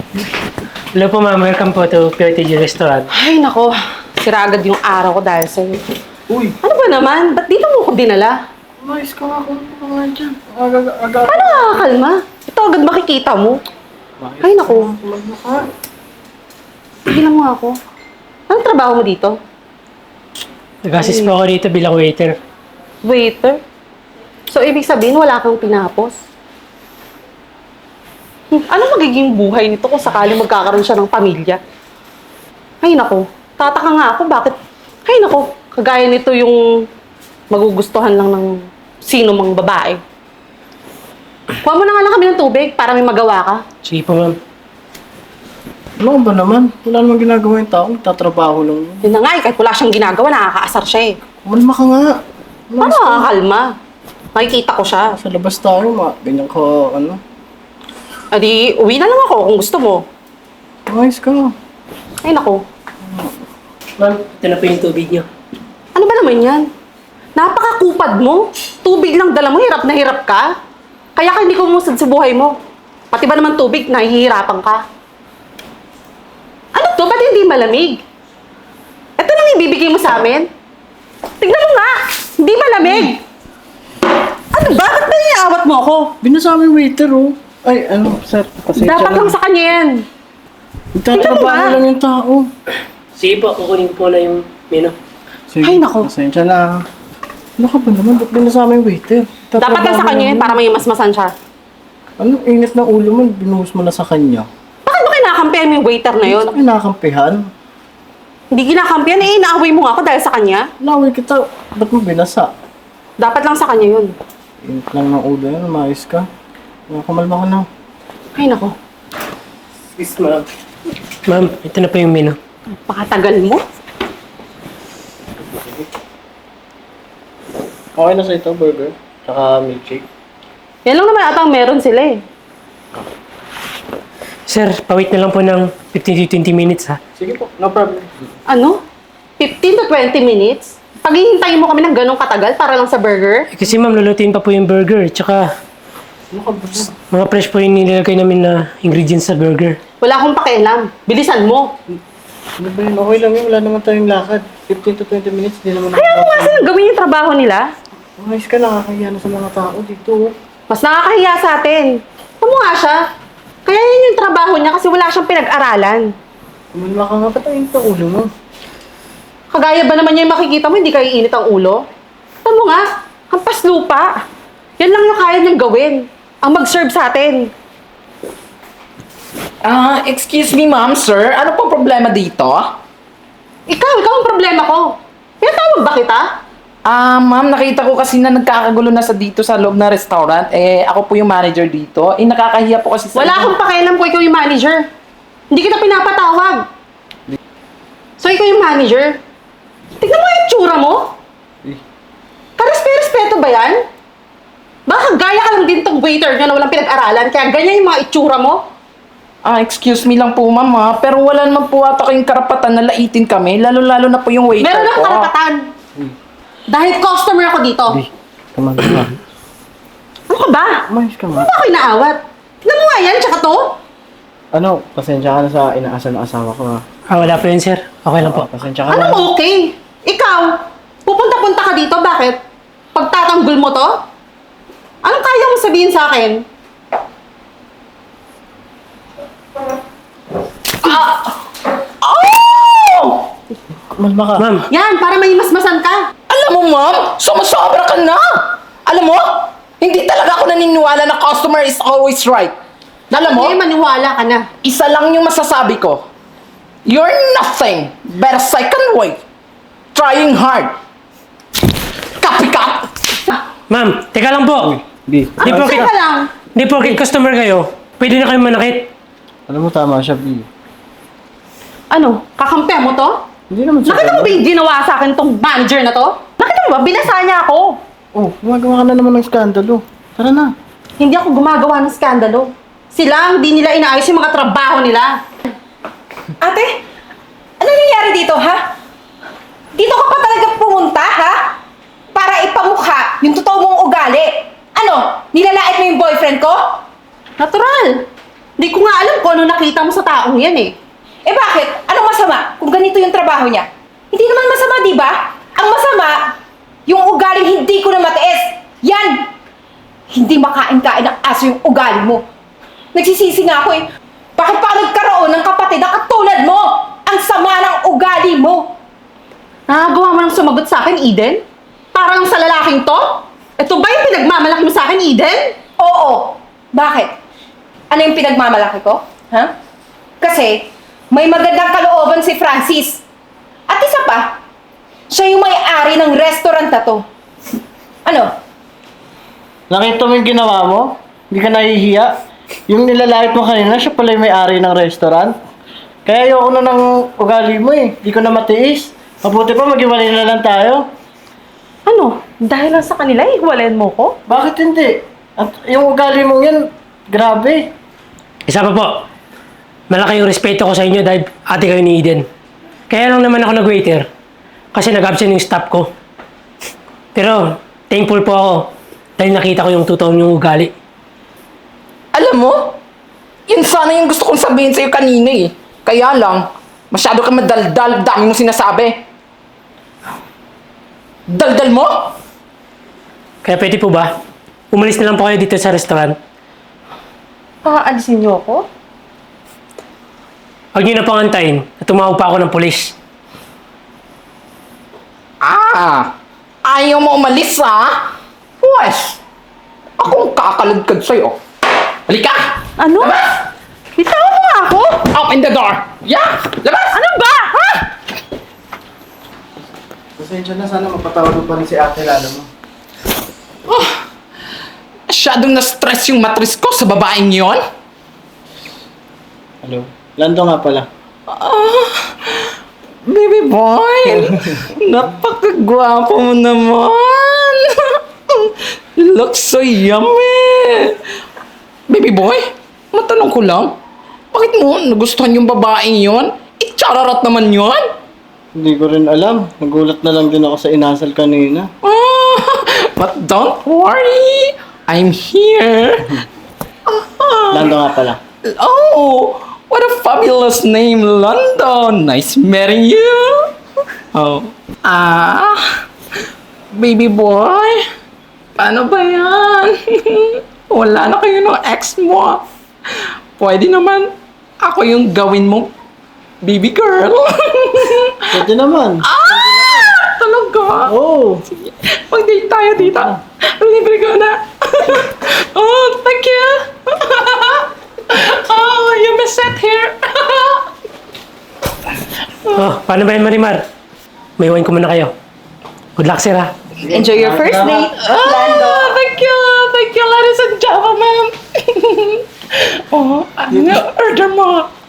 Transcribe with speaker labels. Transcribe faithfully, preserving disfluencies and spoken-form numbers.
Speaker 1: Hello po ma'am, welcome po to P O T G Restaurant.
Speaker 2: Ay, nako. Sira agad yung araw ko dahil sa'yo.
Speaker 3: Uy!
Speaker 2: Ano ba naman? Ba't dito mo ko dinala?
Speaker 3: Umayos ka nga kung ano nga dyan. Aga, aga.
Speaker 2: Paano nakakakalma? Ito agad makikita mo. Ay, nako.
Speaker 3: Kumalma ka.
Speaker 2: Tigilan mo nga ako. Anong trabaho mo dito?
Speaker 1: Nag-assist po ako dito bilang waiter.
Speaker 2: Waiter? So, ibig sabihin, wala kang pinapos? Hmm, ano magiging buhay nito kung sakali magkakaroon siya ng pamilya? Ay, nako. Tataka nga ako, bakit? Ay, nako. Kagaya nito yung magugustuhan lang ng sino mang babae. Kuha mo na nga lang kami ng tubig para may magawa ka.
Speaker 1: Sige po ma'am.
Speaker 3: Ano ba naman? Wala namang ginagawa yung tao. Tatrabaho lang yun.
Speaker 2: Yun na nga, eh, kahit wala siyang ginagawa, nakakaasar siya eh.
Speaker 3: Kumalma ka nga.
Speaker 2: Paano nakakakalma? Makikita ko siya.
Speaker 3: Sa labas tayo, ma. Ganyan ka, ano.
Speaker 2: Adi, uwi na lang ako kung gusto mo.
Speaker 3: Umayos ka.
Speaker 2: Ay, nako.
Speaker 1: Ma'am, ito na po yung tubig niyo.
Speaker 2: Ano ba naman yan? Napakakupad mo. Tubig lang dala mo, hirap na hirap ka. Kaya ka hindi ko umusad sa buhay mo. Pati ba naman tubig, nahihirapan ka. Ano to? Ba't hindi malamig? Ito lang ibibigay mo sa amin? Tignan mo nga! Hindi malamig! Ano ba? Ba't ba iniawat mo ako?
Speaker 3: Binasa mo yung waiter, oh. Ay, ano, sir. Pasensya
Speaker 2: Dapat lang sa kanya yan.
Speaker 3: Nagtatrabaho
Speaker 2: Tingnan mo nga.
Speaker 3: lang yung tao.
Speaker 1: Sige po, kukunin ko po na yung menu.
Speaker 3: Sige,
Speaker 2: Ay, nako.
Speaker 3: Pasensya na. Ano ka ba naman? Ba't binasa mo yung waiter?
Speaker 2: Dapat lang sa kanya yan para may masmasan siya.
Speaker 3: Ano, init ng ulo mo, binuhos mo na sa kanya.
Speaker 2: Bakit mo kinakampihan mo yung waiter na yun?
Speaker 3: Ano kinakampihan?
Speaker 2: Hindi kinakampihan eh, inaaway mo nga ako dahil sa kanya.
Speaker 3: Laway kita, ba't mo binasa?
Speaker 2: Dapat lang sa kanya yun.
Speaker 3: Init lang ng ulo yun, umayos ka. Mga kumalma ka na.
Speaker 2: Ay, nako.
Speaker 1: Yes ma'am. Ma'am, ito na po yung menu.
Speaker 2: Pakatagal mo.
Speaker 3: Okay na sa ito, burger. Tsaka milkshake.
Speaker 2: Yan lang naman atang meron sila eh.
Speaker 1: Sir, pawait na lang po ng fifteen to twenty minutes ha.
Speaker 3: Sige po, no problem.
Speaker 2: Ano? fifteen to twenty minutes? Paghihintayin mo kami ng ganong katagal para lang sa burger?
Speaker 1: Eh, kasi ma'am, lulutuin pa po yung burger. Tsaka,
Speaker 3: Ano ka ba?
Speaker 1: mga fresh po yung nilagay namin na ingredients sa burger.
Speaker 2: Wala akong pakialam. Bilisan mo.
Speaker 3: Ano ba yun? Okay lang yun, wala naman tayong lakad. fifteen to twenty minutes, di naman
Speaker 2: Kaya mo nga silang gawin yung trabaho nila.
Speaker 3: Umayos ka, nakakahiya na sa mga tao dito.
Speaker 2: Mas nakakahiya sa atin. Ano nga siya? Kaya yun yung trabaho niya kasi wala siyang pinag-aralan.
Speaker 3: Kumalma ka nga, ba't ang init ang ulo mo?
Speaker 2: Kagaya ba naman niya yung makikita mo, hindi kayo init ang ulo? Ito mo nga, hampas lupa. Yan lang yung kaya niyang gawin. Ang mag-serve sa atin.
Speaker 4: Ah, excuse me ma'am, sir. Ano pong problema dito?
Speaker 2: Ikaw, ikaw ang problema ko. Pinatawag ba kita?
Speaker 4: Ah, ma'am, nakita ko kasi na nagkakagulo na sa dito sa loob ng restaurant. Eh, ako po yung manager dito. Eh, nakakahiya po kasi sa...
Speaker 2: Wala akong pakialam kung ikaw yung manager. Hindi kita pinapatawag. So, ikaw yung manager? Tignan mo yung tsura mo.
Speaker 3: Eh,
Speaker 2: Karespe-respeto ba yan? Baka gaya ka lang din tong waiter nyo na walang pinag-aralan, kaya ganyan yung mga itsura mo?
Speaker 4: Ah, excuse me lang po ma'am ha. Pero wala naman po ata kayong karapatan na laitin kami. Lalo-lalo na po yung waiter
Speaker 2: Meron
Speaker 4: ko.
Speaker 2: akong karapatan. Dahil customer ako dito.
Speaker 3: di, kumalma ka.
Speaker 2: Ano ka ba?
Speaker 3: Umayos ka nga.
Speaker 2: Ano ba ako inaawat? Tignan mo nga yan, tsaka to.
Speaker 3: Ano, pasensya ka na sa inaasal ng asawa ko ha.
Speaker 1: Ah, wala po yun sir. Okay lang po.
Speaker 3: Oo, pasensya ka na.
Speaker 2: Anong okay? Ikaw, pupunta-punta ka dito, bakit? Pagtatanggol mo to? Anong kaya mo sabihin sa akin?
Speaker 4: Oh!
Speaker 3: Kumalma ka.
Speaker 1: Ma'am,
Speaker 2: Yan, para may masmasan ka.
Speaker 4: Alam mo ma'am, sumasobra ka na. Alam mo, hindi talaga ako naniniwala na customer is always right. Alam mo,
Speaker 2: Hindi, maniwala ka na.
Speaker 4: isa lang yung masasabi ko. You're nothing but a second way. Trying hard. Copycat!
Speaker 1: ma'am, teka lang po.
Speaker 3: Di.
Speaker 1: Di
Speaker 2: Ano,
Speaker 1: po,
Speaker 2: teka lang.
Speaker 1: di po, customer kayo. Pwede na kayo manakit.
Speaker 3: Alam mo, tama siya, B.
Speaker 2: Ano, kakampi mo to?
Speaker 3: Hindi naman siya.
Speaker 2: Nakita mo ba yung ginawa sa akin tong manager na to? Nakita mo ba? Binasa niya ako.
Speaker 3: Oh, gumagawa ka na naman ng skandalo. Tara na.
Speaker 2: Hindi ako gumagawa ng skandalo. Sila ang di nila inaayos yung mga trabaho nila.
Speaker 5: Ate, ano nangyayari dito, ha? Dito ka pa talaga pumunta, ha? Para ipamukha yung totoo mong ugali. Ano, nilalait mo yung boyfriend ko?
Speaker 2: Natural. Hindi ko nga alam kung ano nakita mo sa taong yan eh.
Speaker 5: Eh bakit? Anong masama kung ganito yung trabaho niya? Hindi naman masama, di ba? Ang masama, yung ugaling hindi ko na matiis. Yan! Hindi makain-kain ng aso yung ugali mo. Nagsisisi nga ako eh. Bakit pa ako nagkaroon ng kapatid na katulad mo? Ang sama ng ugali mo.
Speaker 2: Nakagawa mo ng sumagot sa akin, Eden? Para lang sa lalaking to? Ito ba yung pinagmamalaki mo sa akin, Eden?
Speaker 5: Oo. Bakit? Ano yung pinagmamalaki ko? Ha? Kasi, may magandang kalooban si Francis. At isa pa, siya yung may-ari ng restaurant na to. Ano?
Speaker 3: Nakita mo yung ginawa mo? Hindi ka nahihiya? Yung nilalait mo kanina, siya pala yung may-ari ng restaurant. Kaya ayoko na ng ugali mo eh. Hindi ko na matiis. Mabuti pa, mag-iwalay na lang tayo.
Speaker 2: Ano? Dahil lang sa kanila, iwalayan mo ko?
Speaker 3: Bakit hindi? At yung ugali mong yan, grabe.
Speaker 1: Isa pa po. Malaki yung respeto ko sa inyo dahil ate kayo ni Eden. Kaya lang naman ako nag-waiter. Kasi nag-absent yung staff ko. Pero, thankful po ako dahil nakita ko yung totoong yung ugali.
Speaker 4: Alam mo, yun sana yung gusto kong sabihin sa'yo kanina eh. Kaya lang, masyado ka madaldal, dami mong sinasabi. Daldal mo?
Speaker 1: Kaya pwede po ba? Umalis na lang po kayo dito sa restaurant.
Speaker 2: Paalisin niyo ako?
Speaker 1: Huwag niyo na pangantayin na tumawag pa ako ng polis.
Speaker 4: Ah, ayaw mo umalis ha? Pwes, akong kakalagkad sa'yo. Halika!
Speaker 2: Ano?
Speaker 4: Labas!
Speaker 2: Bitawan mo nga ako!
Speaker 4: Open the door! Yeah! Labas!
Speaker 2: Ano ba? Ha?
Speaker 3: Pasensya na, sana mapatawad mo pa rin si ate lalo mo.
Speaker 4: Oh, masyadong na-stress yung matris ko sa babaeng yon.
Speaker 3: Hello? Lando nga pala.
Speaker 4: Ah, baby boy, napakagwapo mo naman. You look so yummy. Baby boy, matanong ko lang, bakit mo nagustuhan yung babaeng yon? Itchararat naman yon.
Speaker 3: Hindi ko rin alam. Nagulat na lang din ako sa inasal kanina.
Speaker 4: Ah, but don't worry, I'm here. Ah,
Speaker 3: Lando nga pala.
Speaker 4: oh, what a fabulous name, London. Nice meeting you. Oh, ah, baby boy, paano ba yan? Wala na kayo ng ex mo. Pwede naman ako yung gawin mo, baby girl.
Speaker 3: Pwede naman.
Speaker 4: ah, talaga?
Speaker 3: Oh!
Speaker 4: Mag-date tayo dito. Libre ko na. Oh, thank you. Oh, you may sit here.
Speaker 1: Oh, paano ba yan, Marimar? May iwan ko muna kayo. Good luck, sir, ha?
Speaker 5: Enjoy your first date.
Speaker 4: Ah, thank you. Thank you, ladies and gentlemen. Oh, ano nga order mo?